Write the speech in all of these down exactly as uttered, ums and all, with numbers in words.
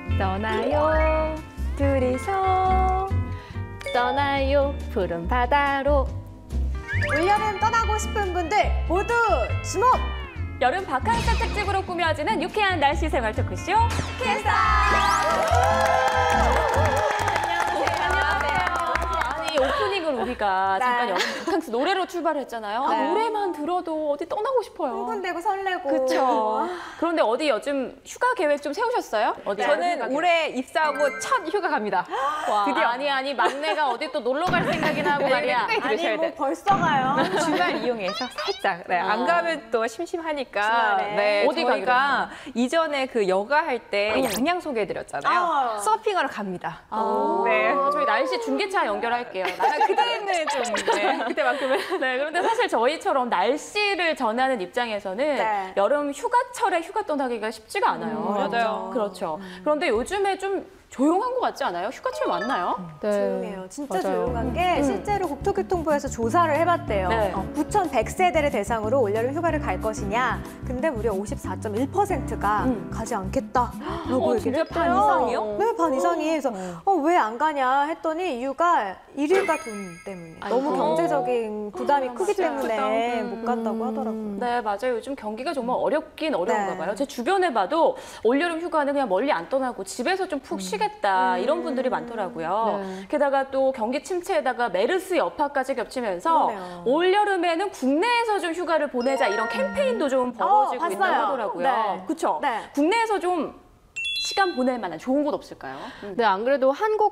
떠나요 둘이서 떠나요 푸른 바다로. 올여름 떠나고 싶은 분들 모두 주목! 여름 바캉스 특집으로 꾸며지는 유쾌한 날씨 생활 토크쇼 캐스터! 오프닝을 우리가 네. 잠깐 여름 바캉스 노래로 출발을 했잖아요. 아, 네. 노래만 들어도 어디 떠나고 싶어요. 흥분되고 설레고. 그렇죠. 그런데 어디 요즘 휴가 계획 좀 세우셨어요? 어디? 저는 올해 입사하고 첫 휴가 갑니다. 와, 드디어. 아니 아니 막내가 어디 또 놀러 갈 생각이나 하고 말이야. 끝까지 아니 들으셔야 뭐 돼. 벌써 가요? 주말 이용해서 살짝. 네, 아. 안 가면 또 심심하니까. 주말에. 네, 어디 저희가 이전에 그 여가 할 때 양양 소개해드렸잖아요. 아. 서핑하러 갑니다. 아, 네. 저희 날씨 중계차 연결할게요. 아, 그때는 좀 네, 그때만큼은. 네, 그런데 사실 저희처럼 날씨를 전하는 입장에서는 네. 여름 휴가철에 휴가 떠나기가 쉽지가 않아요. 음, 맞아요. 그렇죠. 그런데 요즘에 좀 조용한 것 같지 않아요? 휴가철 맞나요? 네. 조용해요. 진짜 맞아요. 조용한 게 실제로 국토교통부에서 조사를 해봤대요. 네. 어, 구천백 세대를 대상으로 올여름 휴가를 갈 것이냐. 근데 무려 오십사 점 일 퍼센트가 음. 가지 않겠다라고 어, 얘기를 진짜 했대요. 반 이상이요? 네, 반 이상이. 그래서 어, 왜 안 가냐 했더니 이유가 일일가 돈 때문에. 너무 아이고. 경제적인 부담이 크기 진짜 때문에 아프다. 못 간다고 하더라고요. 네, 맞아요. 요즘 경기가 정말 어렵긴 어려운가 네. 봐요. 제 주변에 봐도 올여름 휴가는 그냥 멀리 안 떠나고 집에서 좀 푹 쉬겠다 이런 분들이 많더라고요. 네. 게다가 또 경기 침체에다가 메르스 여파까지 겹치면서 그러네요. 올여름에는 국내에서 좀 휴가를 보내자 이런 캠페인도 좀 벌어지고 어, 있다고 봤어요. 하더라고요. 네. 그렇죠? 네. 국내에서 좀 시간 보낼 만한 좋은 곳 없을까요? 음. 네, 안 그래도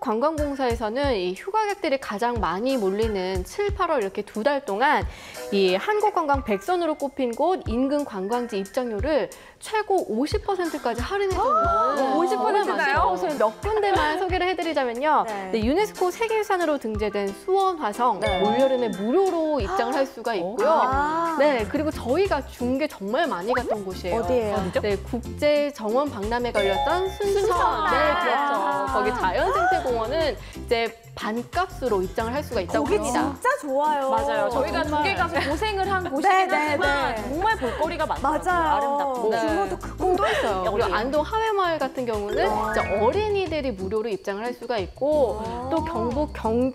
한국관광공사에서는 이 휴가객들이 가장 많이 몰리는 칠, 팔월 이렇게 두 달 동안 이 한국관광 백선으로 꼽힌 곳 인근 관광지 입장료를 최고 오십 퍼센트까지 할인해주는 오십 퍼센트나요? 몇 군데만 소개를 해드리자면요. 네. 네, 유네스코 세계유산으로 등재된 수원 화성 네. 올여름에 무료로 입장을 할 수가 있고요. 아. 네, 그리고 저희가 준 게 정말 많이 갔던 곳이에요. 어디예요? 어디죠? 네, 국제 정원 박람회 걸렸던 순천. 순천. 네, 아. 그렇죠. 거기 자연생태공원은 이제 반값으로 입장을 할 수가 있다고 거기 합니다. 진짜 좋아요. 맞아요. 저희가 두 개 가서 고생을 한 곳이긴 네, 네, 하지만 네. 정말 볼거리가 많더라고요. 맞아요. 아름답고. 네. 규모도 크고. 또 있어요. 여기. 그리고 안동 하회마을 같은 경우는 진짜 어린이들이 무료로 입장을 할 수가 있고 또 경북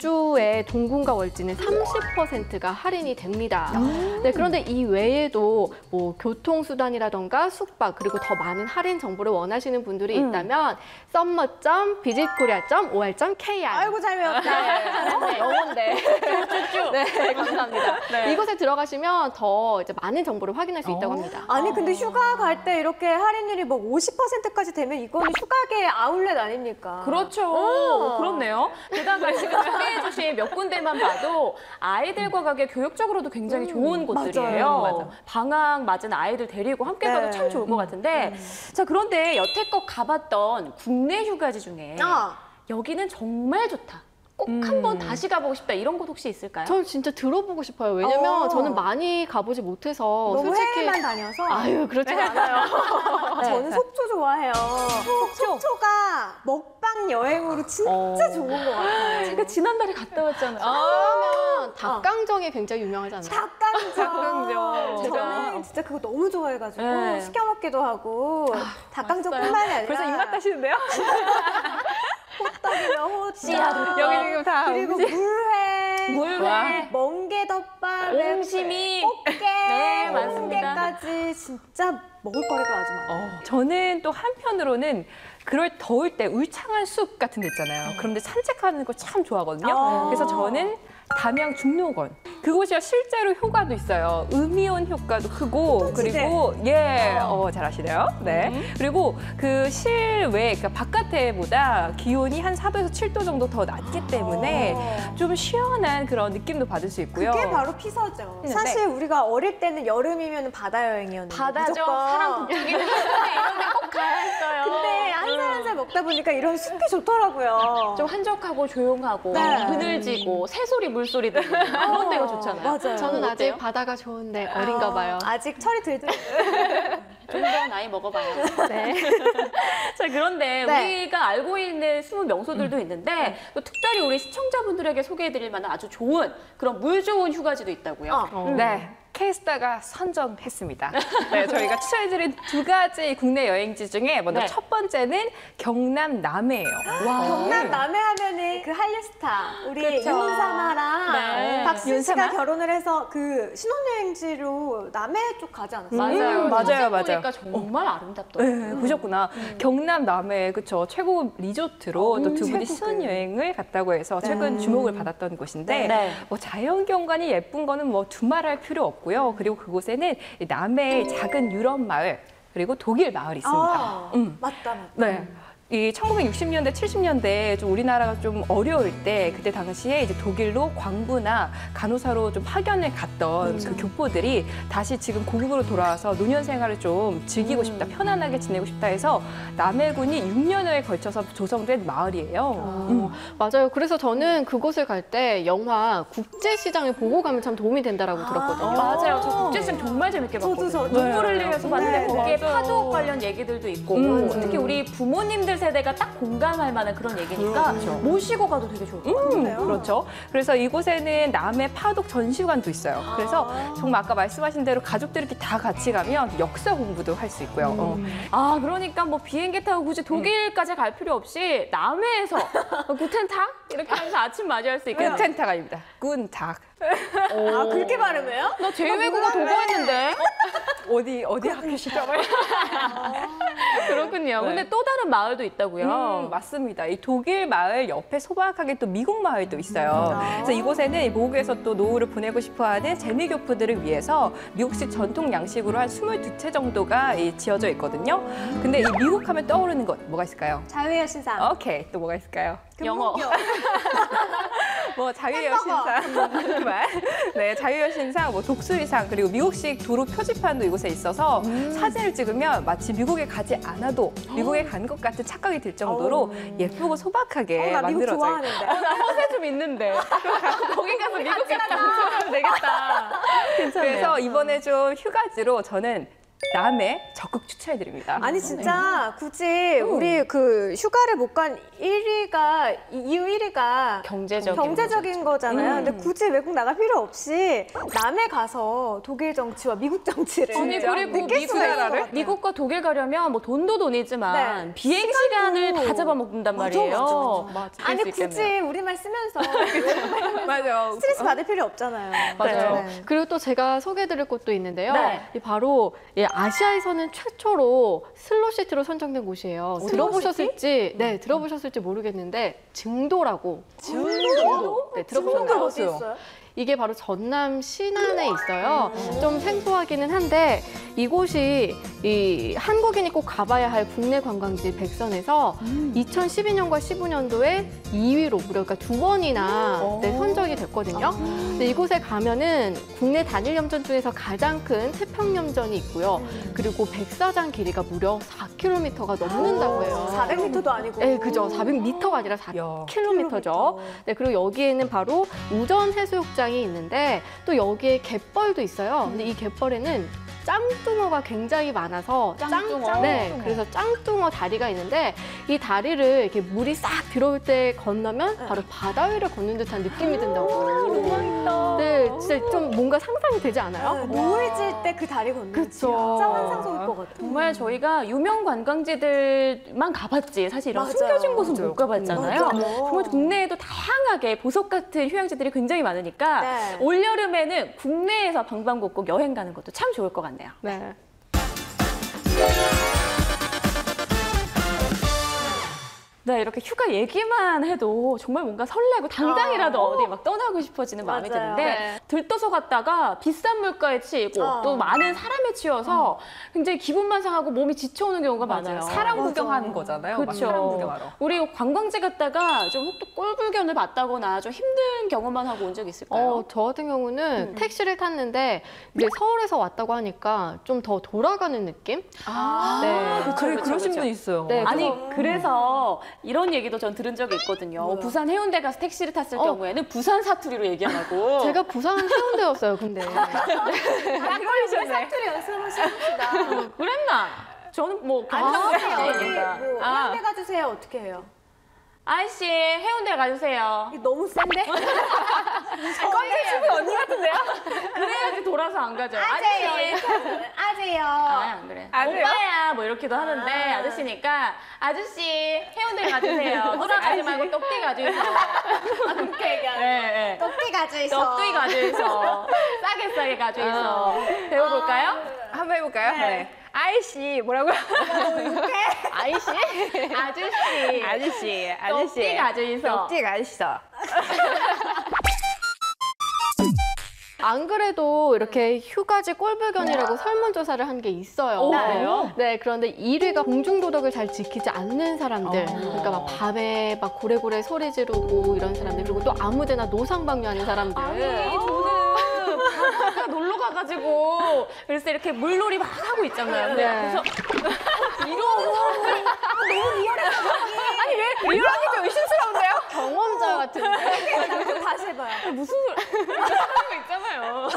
경주의 동궁과 월지는 삼십 퍼센트가 할인이 됩니다. 네, 그런데 이 외에도 뭐 교통수단이라던가 숙박 그리고 더 많은 할인 정보를 원하시는 분들이 음. 있다면 썸머 점 비짓코리아 점 오알 점 케이알 아이고 잘 외웠다. 네, 영어인데. 쭉쭉쭉. 네, 감사합니다. 네. 이곳에 들어가시면 더 이제 많은 정보를 확인할 수 있다고 합니다. 아니 근데 휴가 갈 때 이렇게 할인율이 뭐 오십 퍼센트까지 되면 이거는 휴가계 아울렛 아닙니까? 그렇죠. 어. 그렇네요. 게다가 지금 소개해주신 몇 군데만 봐도 아이들과 가기에 교육적으로도 굉장히 좋은 곳들이에요. 맞아요. 맞아. 방학 맞은 아이들 데리고 함께 네. 가도 참 좋을 것 같은데 자 그런데 여태껏 가봤던 국내 휴가지 중에 아. 여기는 정말 좋다. 꼭 음. 한번 다시 가보고 싶다 이런 곳 혹시 있을까요? 전 진짜 들어보고 싶어요. 왜냐면 어. 저는 많이 가보지 못해서 너무 솔직히 해외만 다녀서. 아유 그렇지 않아요. 저는 속초 좋아해요. 속초가 먹방 여행으로 진짜 어. 좋은 것 같아요. 제가 지난달에 갔다 왔잖아요. 그러면 닭강정이 굉장히 유명하잖아요. 닭강정. 닭강정. 저는 진짜 그거 너무 좋아해가지고 네. 시켜 먹기도 하고 닭강정뿐만이 아니라 벌써 입맛 따시는데요? 호떡이면 호떡. 씨앗. 여기 지금 다 그리고 음식. 물회. 물회. 멍게덮밥. 옹심이. 꽃게. 네, 맞습니다. 홍게까지 진짜 먹을 거리가 아주 많아요. 어, 저는 또 한편으로는 그럴 더울 때 울창한 숲 같은 데 있잖아요. 그런데 산책하는 거 참 좋아하거든요. 아. 그래서 저는 담양 중록원 그곳이 실제로 효과도 있어요. 음이온 효과도 크고 그리고 예, 어, 잘 아시네요. 네. 그리고 그 실외 그러니까 바깥에보다 기온이 한 사 도에서 칠 도 정도 더 낮기 때문에 어. 좀 시원한 그런 느낌도 받을 수 있고요. 그게 바로 피서죠. 네. 사실 우리가 어릴 때는 여름이면 바다 여행이었는데 바다죠. 무조건. 사람 북쪽이는 이런 데 꼭 가야 했어요. 근데 한 살 한 살 먹다 보니까 이런 숲이 좋더라고요. 좀 한적하고 조용하고 네. 그늘지고 새소리 물소리 들리는 그런 데가 좋잖아요. 맞아요. 저는 아직 어때요? 바다가 좋은데 어린가 봐요. 어, 아직 철이 들들. 좀 더 나이 먹어봐요. 네. 자 그런데 네. 우리가 알고 있는 숨은 명소들도 있는데 또 특별히 우리 시청자분들에게 소개해드릴 만한 아주 좋은 그런 물 좋은 휴가지도 있다고요. 어. 음. 네. 캐스터가 선정했습니다. 네, 저희가 추천해드린 두 가지 국내 여행지 중에 먼저 네. 첫 번째는 경남 남해예요. 와. 경남 남해 하면은 그 한류 스타 우리 그쵸. 윤사마랑 네. 박신 씨가 윤사마? 결혼을 해서 그 신혼여행지로 남해 쪽 가지 않았어요? 맞아요. 음, 맞아요, 사진 맞아요. 보니까 정말 아름답더라고요. 네, 보셨구나. 경남 남해 그쵸 최고 리조트로 또 두 분이 최고급. 신혼여행을 갔다고 해서 최근 네. 주목을 받았던 곳인데 네. 뭐 자연 경관이 예쁜 거는 뭐 두말할 필요 없고요. 그리고 그곳에는 이 남해의 작은 유럽 마을 그리고 독일 마을이 있습니다. 아, 음. 맞다, 맞다. 네. 이 천구백육십 년대, 칠십 년대 좀 우리나라가 좀 어려울 때 그때 당시에 이제 독일로 광부나 간호사로 좀 파견을 갔던 그 교포들이 다시 지금 고국으로 돌아와서 노년 생활을 좀 즐기고 싶다, 편안하게 지내고 싶다 해서 남해군이 육 년여에 걸쳐서 조성된 마을이에요. 음. 맞아요. 그래서 저는 그곳을 갈 때 영화 국제시장을 보고 가면 참 도움이 된다라고 들었거든요. 맞아요. 저 국제시장 정말 재밌게 저도, 봤거든요. 저도. 눈물 흘리면서 봤는데 네, 거기에 맞아요. 파독 관련 얘기들도 있고 음. 특히 우리 부모님들 세대가 딱 공감할 만한 그런 얘기니까 그렇죠. 모시고 가도 되게 좋을 것 같아요. 음, 그래요? 그렇죠. 그래서 이곳에는 남해 파독 전시관도 있어요. 그래서 정말 아까 말씀하신 대로 가족들이 이렇게 다 같이 가면 역사 공부도 할 수 있고요. 어. 아 그러니까 뭐 비행기 타고 굳이 독일까지 갈 필요 없이 남해에서 구텐탁 이렇게 하면서 아침 맞이할 수 있겠네요. 꾼텐타가 아닙니다. 꾼탁. 아, 그렇게 발음해요? 너 제외국어 도거했는데 어디 어디 학교시죠? 그렇군요. 네. 근데 또 다른 마을도 있다고요. 음, 맞습니다. 이 독일 마을 옆에 소박하게 또 미국 마을도 있어요. 그래서 이곳에는 이 모국에서 또 노후를 보내고 싶어하는 재미교포들을 위해서 미국식 전통 양식으로 한 스물두 채 정도가 이 지어져 있거든요. 근데 이 미국 하면 떠오르는 것 뭐가 있을까요? 자유의 신상. 오케이, 또 뭐가 있을까요? 영어. 뭐 자유의 햄버거. 신상 정말 네 자유의 신상 뭐 독수리상 그리고 미국식 도로 표지판도 이곳에 있어서 사진을 찍으면 마치 미국에 가지 않아도 미국에 간 것 같은 착각이 들 정도로 예쁘고 소박하게 어, 나 미국 만들어져 있어요. 좋아하는데. 허세 좀 있는데. 거기 가서 미국에 방송하면 되겠다. 그래서 이번에 좀 휴가지로 저는 남해 적극 추천해드립니다. 아니 진짜 굳이 우리 그 휴가를 못 간 일 위가 이유 일 위가 경제적인 경제적인 거잖아요. 음. 근데 굳이 외국 나갈 필요 없이 남해 가서 독일 정치와 미국 정치를 아니 진짜? 그리고 느낄 미국, 수가 있을 것 같아요. 미국과 독일 가려면 뭐 돈도 돈이지만 네. 비행 시간을 다 잡아먹는단 맞아, 말이에요. 맞아, 그럴 아니 수 있겠네요. 굳이 우리말 쓰면서 맞아요. 스트레스 받을 필요 없잖아요. 맞아요. 네. 그리고 또 제가 소개해드릴 곳도 있는데요. 네. 이 바로 예, 아시아에서는 최초로 슬로시티로 선정된 곳이에요. 들어보셨을지 네 들어보셨을지 모르겠는데 증도라고. 증도? 네 들어보셨나요? 어디 있어요? 이게 바로 전남 신안에 있어요. 좀 생소하기는 한데 이곳이 이 한국인이 꼭 가봐야 할 국내 관광지 백선에서 이천십이 년과 십오 년도에 이 위로 무려 그러니까 두 번이나 네, 선정이 됐거든요. 근데 이곳에 가면은 국내 단일 염전 중에서 가장 큰 태평염전이 있고요. 그리고 백사장 길이가 무려 사 킬로미터가 넘는다고 해요. 사백 미터도 아니고. 네, 그죠. 사백 미터가 아니라 사 야. 킬로미터죠. 네, 그리고 여기에는 바로 우전 해수욕장이 있는데 또 여기에 갯벌도 있어요. 근데 이 갯벌에는 짱뚱어가 굉장히 많아서 짱뚱어? 짱, 네, 그래서 짱뚱어 다리가 있는데 이 다리를 이렇게 물이 싹 들어올 때 건너면 바로 바다 위를 걷는 듯한 느낌이 든다고. 네, 진짜 좀 뭔가 상상이 되지 않아요? 네, 노을 질 때 그 다리 걷는 거 그쵸. 진짜 환상적일 것 같아요. 정말 저희가 유명 관광지들만 가봤지 사실 이런 맞아요. 숨겨진 곳은 맞아요. 못 가봤잖아요. 맞아요. 정말 국내에도 다양하게 보석 같은 휴양지들이 굉장히 많으니까 네. 올여름에는 국내에서 방방곡곡 여행 가는 것도 참 좋을 것 같네요. 네. 네, 이렇게 휴가 얘기만 해도 정말 뭔가 설레고 당장이라도 어디 막 떠나고 싶어지는 마음이 맞아요. 드는데 네. 들떠서 갔다가 비싼 물가에 치이고 어. 또 많은 사람에 치여서 굉장히 기분만 상하고 몸이 지쳐오는 경우가 많아요. 사람 맞아. 구경하는 거잖아요. 막 그렇죠. 사람 구경하러. 우리 관광지 갔다가 좀 혹독 꼴불견을 봤다거나 좀 힘든 경험만 하고 온 적 있을까요? 어, 저 같은 경우는 음. 택시를 탔는데 이제 서울에서 왔다고 하니까 좀 더 돌아가는 느낌? 아, 네. 그쵸, 그래 그쵸, 그러신 그쵸. 분 있어요. 네, 아니 그래서- 그래서 이런 얘기도 전 들은 적이 있거든요. 뭐요? 부산 해운대 가서 택시를 탔을 어. 경우에는 부산 사투리로 얘기하고 제가 부산 해운대였어요, 근데. 우리 사투리 연습을 해봅시다. 그랬나? 저는 뭐 아니, 경상도 어디 얘기니까. 뭐 아, 해운대 가주세요 어떻게 해요? 아저씨 해운대 가주세요. 이거 너무 센데? 껌이 춤이 언니 같은데요? 그래야지 돌아서 안 가죠. 아재요. 아저씨. 아재요. 아, 안 그래. 안 그래요? 오빠야 뭐 이렇게도 하는데 아. 아저씨니까 아저씨 해운대 가주세요. 돌아가지 말고 떡띠 가주세요. 그렇게 얘기하는 네, 네. 떡띠 가져 있어. 떡띠 가주있어. 싸게 싸게 가주있어. 배워볼까요? 한번 해볼까요? 네. 아이씨 뭐라고요? 아이씨? 아저씨. 아저씨, 아저씨. 떡띠 가주있어. 떡띠 가주있어. 안 그래도 이렇게 휴가지 꼴불견이라고 설문조사를 한 게 있어요. 오, 그래요? 네, 그런데 일 위가 공중도덕을 잘 지키지 않는 사람들. 그러니까 막 밤에 막 고래고래 소리 지르고 이런 사람들. 그리고 또 아무데나 노상방뇨하는 사람들. 아니 저는 바닷가 놀러 가가지고 그래서 이렇게 물놀이 막 하고 있잖아요. 네. 그래서 이러는 사람들 너무 리얼해. 아니 왜 리얼하게 좀 의심스러운데요? 경험자 같은데. 다시 해봐요. 무슨 소리 이런 거 있잖아요.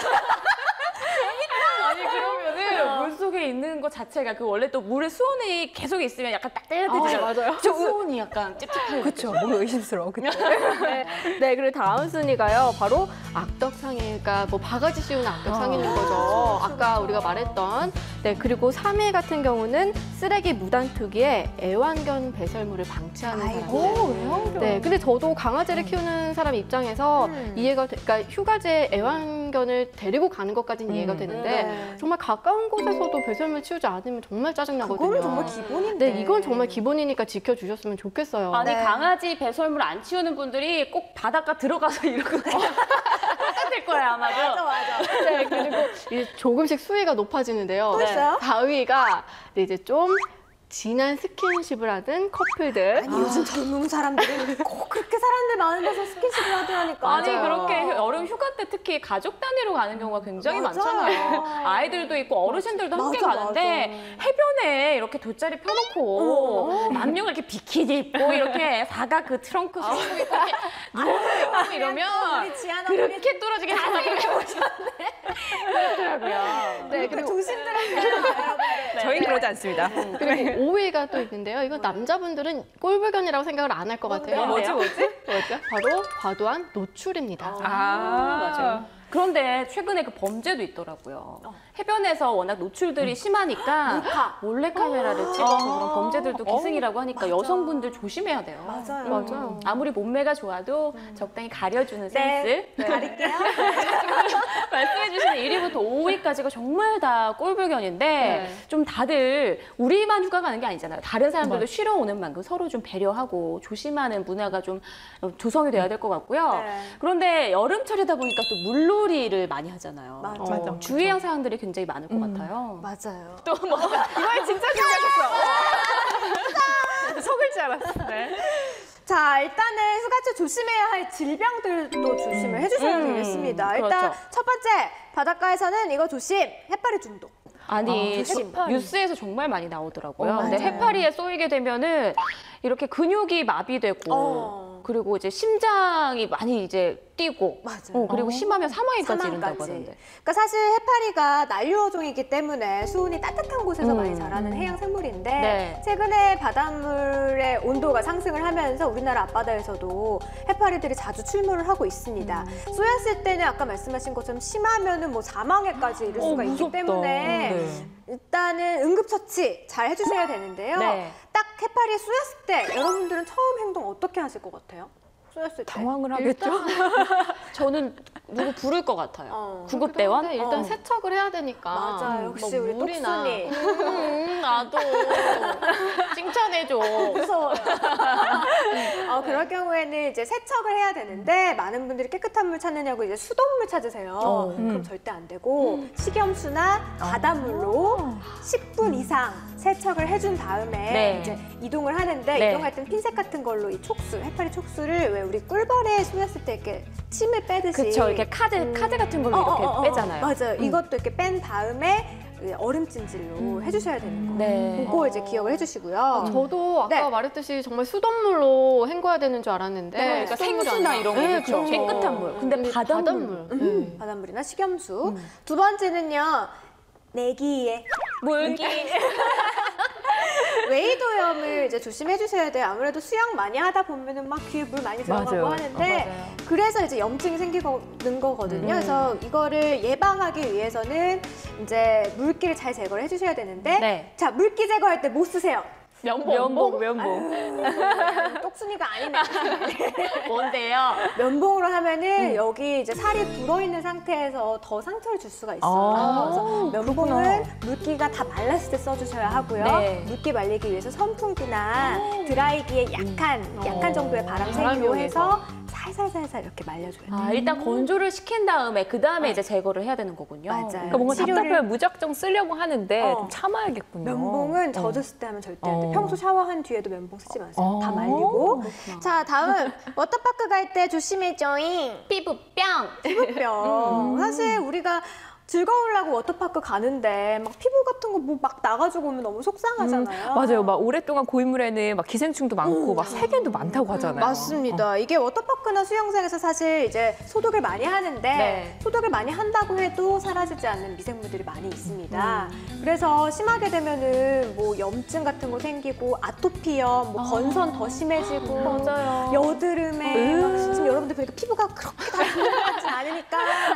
아니 그러면은 물 속에 있는 것 자체가 그 원래 또 물에 수온이 계속 있으면 약간 따뜻해지잖아요. 아, 맞아요. 저 수온이 약간 찝찝해요. 그쵸, 뭔가 의심스러워. 그쵸? 네, 네, 그리고 다음 순위가요. 바로 악덕상해가 뭐 바가지 씌우는 악덕상해인 거죠. 아까 우리가 말했던. 네, 그리고 삼 위 같은 경우는 쓰레기 무단 투기에 애완견 배설물을 방치하는 사람들. 네, 근데 저도 강아지를 키우는 사람 입장에서 음. 이해가 돼, 그러니까 휴가지에 애완견을 데리고 가는 것까지는 이해가 되는데 네. 정말 가까운 곳에서도 배설물 치우지 않으면 정말 짜증나거든요. 그거는 정말 기본인데. 네, 이건 정말 기본이니까 지켜주셨으면 좋겠어요. 아니 네. 강아지 배설물 안 치우는 분들이 꼭 바닷가 들어가서 이러고 똑같을 거예요 아마도. 맞아, 맞아. 네, 그리고 이제 조금씩 수위가 높아지는데요. 또 있어요? 사 위가 이제 좀 진한 스킨십을 하는 커플들. 아니, 요즘 젊은 사람들은 꼭 그렇게 사람들 많은 데서 스킨십을 하더라니까. 아니 맞아요. 그렇게 여름 휴가 때 특히 가족 단위로 가는 경우가 굉장히 맞아요. 많잖아요. 아이들도 있고 어르신들도 함께 맞아, 가는데 해변에 이렇게 돗자리 펴놓고 남녀가 이렇게 비키니 입고 이렇게 사각 그 트렁크 아. 쓰고 이렇게 누워있고 이러면 우리 지아나 그렇게 떨어지게 생각해 그렇더라고요. 네, 그리고 그리고 조심들하세요, 여러분들. 저희는 그러지 않습니다. 그리고 오 위가 또 있는데요. 이건 남자분들은 꼴불견이라고 생각을 안 할 것 같아요. 뭐지, 뭐지? 뭐죠? 바로 과도한 노출입니다. 아, 맞아요. 그런데 최근에 그 범죄도 있더라고요. 해변에서 워낙 노출들이 심하니까 몰래카메라를 찍어서 그런 범죄들도 기승이라고 하니까 여성분들 조심해야 돼요. 맞아요. 맞아요. 아무리 몸매가 좋아도 적당히 가려주는 네, 센스. 가릴게요. 말씀해주신 일 위부터 오 위까지가 정말 다 꼴불견인데 네. 좀 다들 우리만 휴가 가는 게 아니잖아요. 다른 사람들도 쉬러 오는 만큼 서로 좀 배려하고 조심하는 문화가 좀 조성이 돼야 될 것 같고요. 네. 그런데 여름철이다 보니까 또 물놀이를 많이 하잖아요. 맞아. 맞아. 주의할 사항들이 굉장히 많을 것 같아요. 맞아요. 또 뭐. 이번에 진짜 긴장했어. 속을 줄 알았어. 네. 자, 일단은 휴가철 조심해야 할 질병들도 조심을 해주셔야 음, 되겠습니다. 그렇죠. 일단 첫 번째, 바닷가에서는 이거 조심, 해파리 중독. 아니, 아, 조심. 해- 뉴스에서 정말 많이 나오더라고요. 어, 근데 맞아요. 해파리에 쏘이게 되면은 이렇게 근육이 마비되고 어. 그리고 이제 심장이 많이 이제 뛰고 맞아요. 어, 그리고 어. 심하면 사망에까지 이른다고 사망까지. 하던데. 그러니까 사실 해파리가 난류어종이기 때문에 수온이 따뜻한 곳에서 음. 많이 자라는 해양 생물인데 네. 최근에 바닷물의 온도가 상승을 하면서 우리나라 앞바다에서도 해파리들이 자주 출몰을 하고 있습니다. 음. 쏘였을 때는 아까 말씀하신 것처럼 심하면은 뭐 사망에까지 이를 어, 수가 있기 무섭다. 때문에 네. 일단은 응급처치 잘 해주셔야 되는데요. 네. 딱 해파리에 쏘였을 때 여러분들은 처음 행동 어떻게 하실 것 같아요? 쏘였을 때. 당황을 하겠죠? 저는 누구 부를 것 같아요. 어. 구급대원? 근데 일단 어. 세척을 해야 되니까. 맞아요. 역시 뭐 우리 물이나. 똑순이. 음, 나도 칭찬해줘. 무서워요. 어, 그럴 경우에는 이제 세척을 해야 되는데 많은 분들이 깨끗한 물 찾느냐고 이제 수돗물 찾으세요. 어, 그럼 음. 절대 안 되고 식염수나 바닷물로 십 분 이상 세척을 해준 다음에 네. 이제 이동을 하는데 네. 이동할 땐 핀셋 같은 걸로 이 촉수, 해파리 촉수를 왜 우리 꿀벌에 쏘였을 때 이렇게 침을 빼듯이 그쵸, 이렇게 카드, 카드 같은 걸로 어, 이렇게 어, 어, 어. 빼잖아요. 맞아요. 이것도 이렇게 뺀 다음에 얼음찜질로 해주셔야 되는 거예요. 네. 그거 이제 기억을 해주시고요. 저도 아까 네. 말했듯이 정말 수돗물로 hend궈야 되는 줄 알았는데 네, 그러니까 수돗물이 생수나 아니라. 이런 거 네, 그렇죠. 그렇죠. 깨끗한 물. 근데 근데 바닷물. 바닷물. 음, 네. 바닷물이나 식염수. 두 번째는요, 내기에. 물기. 웨이도염을 이제 조심해 주셔야 돼요. 아무래도 수영 많이 하다 보면은 막 귀에 물 많이 들어가고 맞아요. 하는데 어, 맞아요. 그래서 이제 염증이 생기는 거거든요. 음. 그래서 이거를 예방하기 위해서는 이제 물기를 잘 제거를 해주셔야 되는데 네. 자 물기 제거할 때 뭐 쓰세요? 면봉, 면봉. 똑순이가 아니네. 뭔데요? 면봉으로 하면은 음. 여기 이제 살이 불어있는 상태에서 더 상처를 줄 수가 있어요. 아, 그래서 면봉은 그렇구나. 물기가 다 말랐을 때 써주셔야 하고요. 네. 물기 말리기 위해서 선풍기나 드라이기에 약한, 약한 정도의 바람 세기로 바람용에서. 해서 살살살살 이렇게 말려줘야 돼요. 아, 일단 건조를 시킨 다음에 그 다음에 이제 제거를 해야 되는 거군요. 맞아요. 그러니까 뭔가 치료를- 답답하면 무작정 쓰려고 하는데 어. 좀 참아야겠군요. 면봉은 젖었을 때 하면 절대 안 돼. 어. 평소 샤워한 뒤에도 면봉 쓰지 마세요. 어. 다 말리고. 자, 다음 워터파크 갈 때 조심해줘잉. 피부병. 피부병. 사실 우리가 즐거우려고 워터파크 가는데 막 피부 같은 거 뭐 막 나가지고 오면 너무 속상하잖아요. 맞아요. 막 오랫동안 고인물에는 막 기생충도 많고 막 세균도 많다고 하잖아요. 맞습니다. 이게 워터파크나 수영장에서 사실 이제 소독을 많이 하는데 네. 소독을 많이 한다고 해도 사라지지 않는 미생물들이 많이 있습니다. 그래서 심하게 되면은 뭐 염증 같은 거 생기고 아토피염, 뭐 건선 더 심해지고 맞아요. 여드름에 막 지금 여러분들 보니까 피부가 그렇게 다 좋은 것 같진 않으니까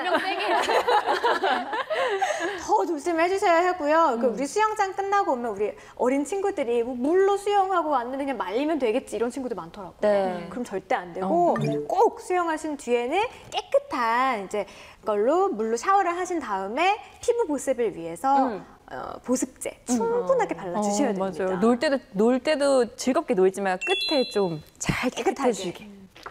더 조심해 주셔야 하고요. 그 우리 수영장 끝나고 오면 우리 어린 친구들이 뭐 물로 수영하고 왔는데 그냥 말리면 되겠지 이런 친구들 많더라고요. 네. 그럼 절대 안 되고 꼭 수영하신 뒤에는 깨끗한 이제 걸로 물로 샤워를 하신 다음에 피부 보습을 위해서 음. 어, 보습제 충분하게 발라주셔야 어, 됩니다. 맞아요. 놀 때도 놀 때도 즐겁게 놀지만 끝에 좀 잘 깨끗하게. 깨끗해지게.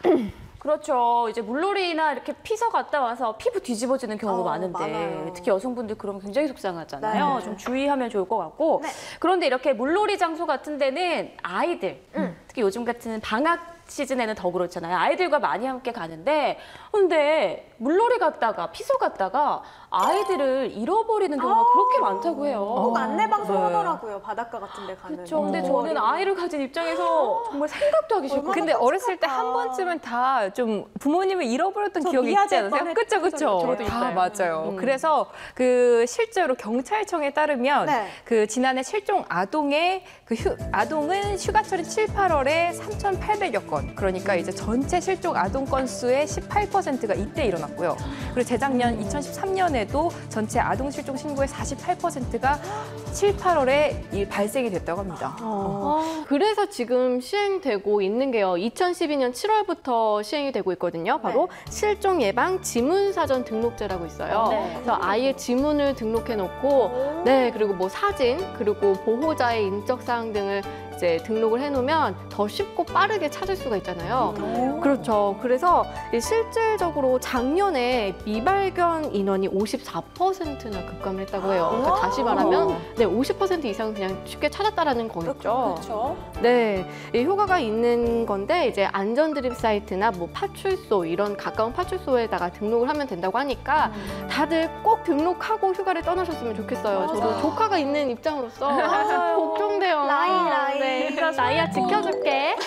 그렇죠. 이제 물놀이나 이렇게 피서 갔다 와서 피부 뒤집어지는 경우가 어, 많은데 많아요. 특히 여성분들 그러면 굉장히 속상하잖아요. 네. 좀 주의하면 좋을 것 같고 네. 그런데 이렇게 물놀이 장소 같은 데는 아이들 특히 요즘 같은 방학 시즌에는 더 그렇잖아요. 아이들과 많이 함께 가는데 근데 물놀이 갔다가 피서 갔다가 아이들을 잃어버리는 경우가 그렇게 많다고 해요. 꼭 안내방송 네. 하더라고요. 바닷가 같은 데 가면. 그렇죠. 근데 어. 저는 아이를 가진 입장에서 정말 생각도 하기 싫고 근데 어렸을 때 한 아. 번쯤은 다 좀 부모님을 잃어버렸던 저 기억이 있지 미아제 않으세요? 뻔했- 그쵸, 그쵸. 저도 다 있어요. 맞아요. 음. 그래서 그 실제로 경찰청에 따르면 네. 그 지난해 실종 아동의 그 휴, 아동은 휴가철인 칠, 팔월에 삼천팔백여 건. 그러니까 이제 전체 실종 아동 건수의 십팔 퍼센트가 이때 일어났고요. 그리고 재작년 이천십삼 년에도 전체 아동 실종 신고의 사십팔 퍼센트가 칠, 팔월에 이 발생이 됐다고 합니다. 아, 그래서 지금 시행되고 있는 게요. 이천십이 년 칠월부터 시행이 되고 있거든요. 바로 실종 예방 지문 사전 등록제라고 있어요. 네. 그래서 아예 지문을 등록해 놓고 네, 그리고 뭐 사진, 그리고 보호자의 인적 사항 등을 이제 등록을 해 놓으면 더 쉽고 빠르게 찾을 수가 있잖아요. 그렇죠. 그래서 이 실질적으로 작년에 미발견 인원이 오십사 퍼센트나 급감을 했다고 해요. 그러니까 다시 말하면 네, 오십 퍼센트 이상 그냥 쉽게 찾았다라는 거겠죠. 그렇죠. 네, 이 효과가 있는 건데 이제 안전 드립 사이트나 뭐 파출소 이런 가까운 파출소에다가 등록을 하면 된다고 하니까 다들 꼭 등록하고 휴가를 떠나셨으면 좋겠어요. 저도 조카가 있는 입장으로서 걱정돼요. 라이, 라이. 네, 그래서 나이야 지켜줄게.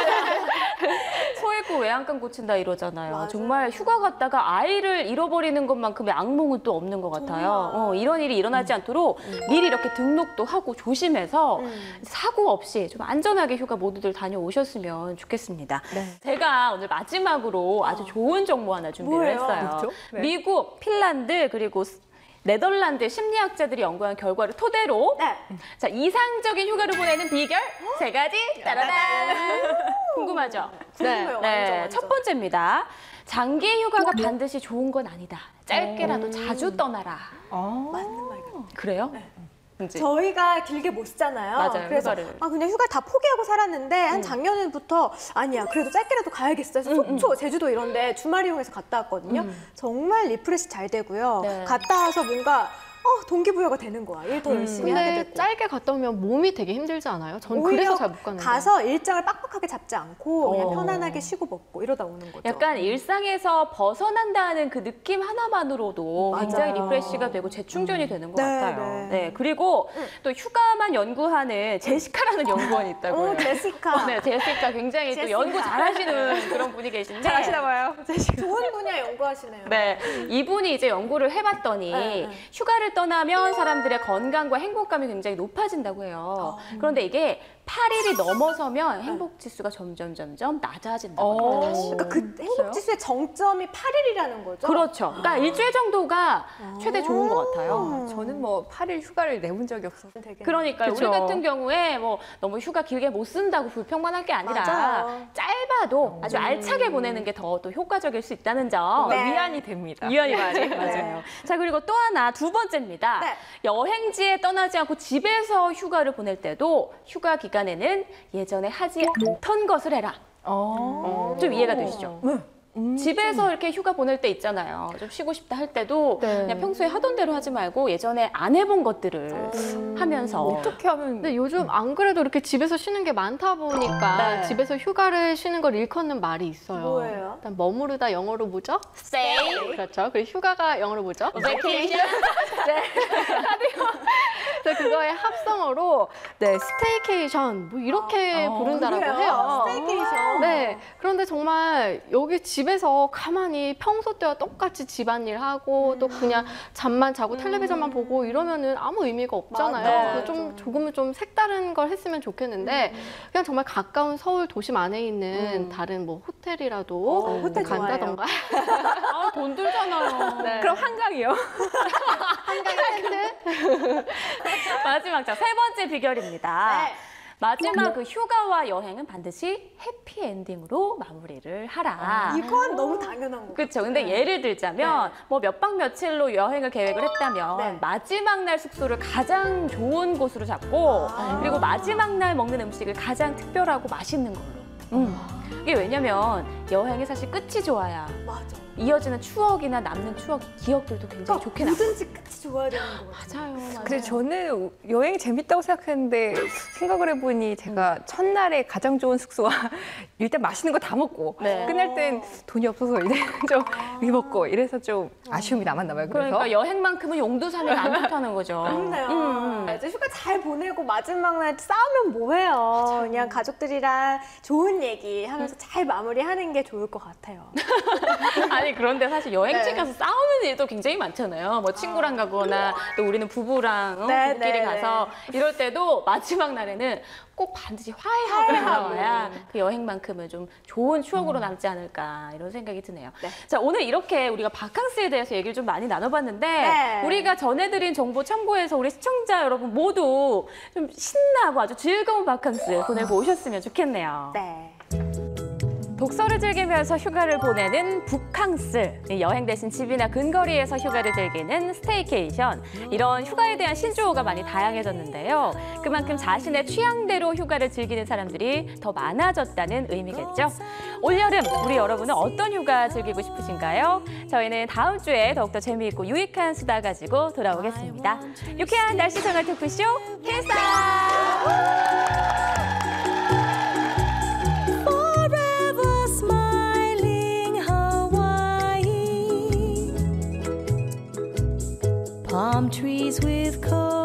소액고 외양간 고친다 이러잖아요. 맞아요. 정말 휴가 갔다가 아이를 잃어버리는 것만큼의 악몽은 또 없는 것 같아요. 어, 이런 일이 일어나지 않도록 미리 이렇게 등록도 하고 조심해서 사고 없이 좀 안전하게 휴가 모두들 다녀오셨으면 좋겠습니다. 제가 오늘 마지막으로 아주 좋은 정보 하나 준비를 뭐예요? 했어요. 뭐죠? 네. 미국, 핀란드 그리고 스- 네덜란드 심리학자들이 연구한 결과를 토대로 네. 자 이상적인 휴가를 보내는 비결 세 가지 따라단 궁금하죠? 궁금해요. 네, 완전, 완전. 첫 번째입니다. 장기 휴가가 반드시 좋은 건 아니다. 짧게라도 자주 떠나라. 아. 맞는 말 같아요. 그래요? 이제 저희가 길게 못 쓰잖아요. 맞아요, 그래서 휴가를. 아 그냥 휴가 다 포기하고 살았는데 한 작년부터 아니야 그래도 짧게라도 가야겠어. 해서 속초, 제주도 이런데 주말 이용해서 갔다 왔거든요. 정말 리프레시 잘 되고요. 네. 갔다 와서 뭔가 어, 동기부여가 되는 거야. 일 더 열심히 하게 근데 되고. 짧게 갔다 오면 몸이 되게 힘들지 않아요? 전 오히려 그래서 잘 못 가는데. 가서 일정을 빡빡하게 잡지 않고 그냥 어. 편안하게 쉬고 먹고 이러다 오는 거죠. 약간 일상에서 벗어난다는 그 느낌 하나만으로도 맞아요. 굉장히 리프레시가 되고 재충전이 되는 것 네, 같아요. 네. 네, 그리고 또 휴가만 연구하는 제시카라는 연구원이 있다고요. 오, 제시카. 네, 제시카 굉장히 또 제시카. 연구 잘하시는 그런 분이 계신데 봐요. 좋은 분야 연구하시네요. 네, 이분이 이제 연구를 해봤더니 네, 네. 휴가를 휴가를 떠나면 사람들의 건강과 행복감이 굉장히 높아진다고 해요. 그런데 이게 팔 일이 넘어서면 행복 지수가 점점 점점 낮아진다고 합니다. 다시. 그러니까 그 행복 지수의 정점이 팔 일이라는 거죠? 그렇죠. 그러니까 일주일 정도가 최대 좋은 것 같아요. 저는 뭐 팔 일 휴가를 내본 적이 없어서. 되게 그러니까요. 그쵸. 우리 같은 경우에 뭐 너무 휴가 길게 못 쓴다고 불평만 할 게 아니라 맞아요. 짧아도 아주 알차게 보내는 게 더 또 효과적일 수 있다는 점. 네. 위안이 됩니다. 위안이 많이 맞아요. 자, 그리고 또 하나 두 번째입니다. 네. 여행지에 떠나지 않고 집에서 휴가를 보낼 때도 휴가 기간에는 예전에 하지 않던 것을 해라. 어. 좀 이해가 되시죠? 집에서 이렇게 휴가 보낼 때 있잖아요. 좀 쉬고 싶다 할 때도 네. 그냥 평소에 하던 대로 하지 말고 예전에 안 해본 것들을 하면서 어떻게 하면 근데 요즘 안 그래도 이렇게 집에서 쉬는 게 많다 보니까 네. 집에서 휴가를 쉬는 걸 일컫는 말이 있어요. 뭐예요? 일단 머무르다 영어로 뭐죠? stay, 그렇죠. 그리고 휴가가 영어로 뭐죠? vacation. 그래서 그거의 합성어로 네 스테이케이션 뭐 이렇게 어, 부른다라고 그래요? 해요. 스테이케이션. 네. 그런데 정말 여기 집에서 가만히 평소 때와 똑같이 집안일 하고 또 그냥 잠만 자고 텔레비전만 보고 이러면은 아무 의미가 없잖아요. 맞아요. 그래서 좀 조금은 좀 색다른 걸 했으면 좋겠는데 그냥 정말 가까운 서울 도심 안에 있는 다른 뭐 호텔이라도 어, 호텔 간다던가 아, 돈 들잖아요. 네. 그럼 한강이요? 한강 텐트 마지막 자, 세 번째 비결입니다. 네. 마지막 그 휴가와 여행은 반드시 해피 엔딩으로 마무리를 하라. 이건 너무 당연한 거. 그렇죠. 근데 예를 들자면 뭐 몇 박 며칠로 여행을 계획을 했다면 네. 마지막 날 숙소를 가장 좋은 곳으로 잡고 아. 그리고 마지막 날 먹는 음식을 가장 특별하고 맛있는 걸로. 음. 이게 왜냐면 여행이 사실 끝이 좋아야 맞아. 이어지는 추억이나 남는 추억, 기억들도 굉장히 좋게 남아요. 뭐든지 끝이 좋아야 되는 거 같아요. 맞아요, 맞아요. 근데 저는 여행이 재밌다고 생각했는데 생각을 해보니 제가 첫날에 가장 좋은 숙소와 일단 맛있는 거 다 먹고 네. 끝날 땐 돈이 없어서 이제 좀 이렇게 먹고 이래서 좀 아쉬움이 남았나 봐요. 그래서 그러니까 여행만큼은 용두삼이 안 좋다는 거죠. 그렇네요. 음, 음. 이제 휴가 잘 보내고 마지막 날 싸우면 뭐해요. 그냥 가족들이랑 좋은 얘기 하면서 잘 마무리하는 게 좋을 것 같아요. 아니 그런데 사실 여행지 네. 가서 싸우는 일도 굉장히 많잖아요. 뭐 친구랑 가거나 또 우리는 부부랑 어, 네, 부부끼리 네, 가서 이럴 때도 마지막 날에는 꼭 반드시 화해하고 화해하고. 나와야 그 여행만큼은 좀 좋은 추억으로 남지 않을까 이런 생각이 드네요. 네. 자, 오늘 이렇게 우리가 바캉스에 대해서 얘기를 좀 많이 나눠봤는데 네. 우리가 전해드린 정보 참고해서 우리 시청자 여러분 모두 좀 신나고 아주 즐거운 바캉스 보내고 오셨으면 좋겠네요. 네. 독서를 즐기면서 휴가를 보내는 북캉스, 여행 대신 집이나 근거리에서 휴가를 즐기는 스테이케이션, 이런 휴가에 대한 신조어가 많이 다양해졌는데요. 그만큼 자신의 취향대로 휴가를 즐기는 사람들이 더 많아졌다는 의미겠죠. 올여름 우리 여러분은 어떤 휴가 즐기고 싶으신가요? 저희는 다음 주에 더욱더 재미있고 유익한 수다 가지고 돌아오겠습니다. 유쾌한 날씨 생활 토크쇼 캐스터! Palm trees with cold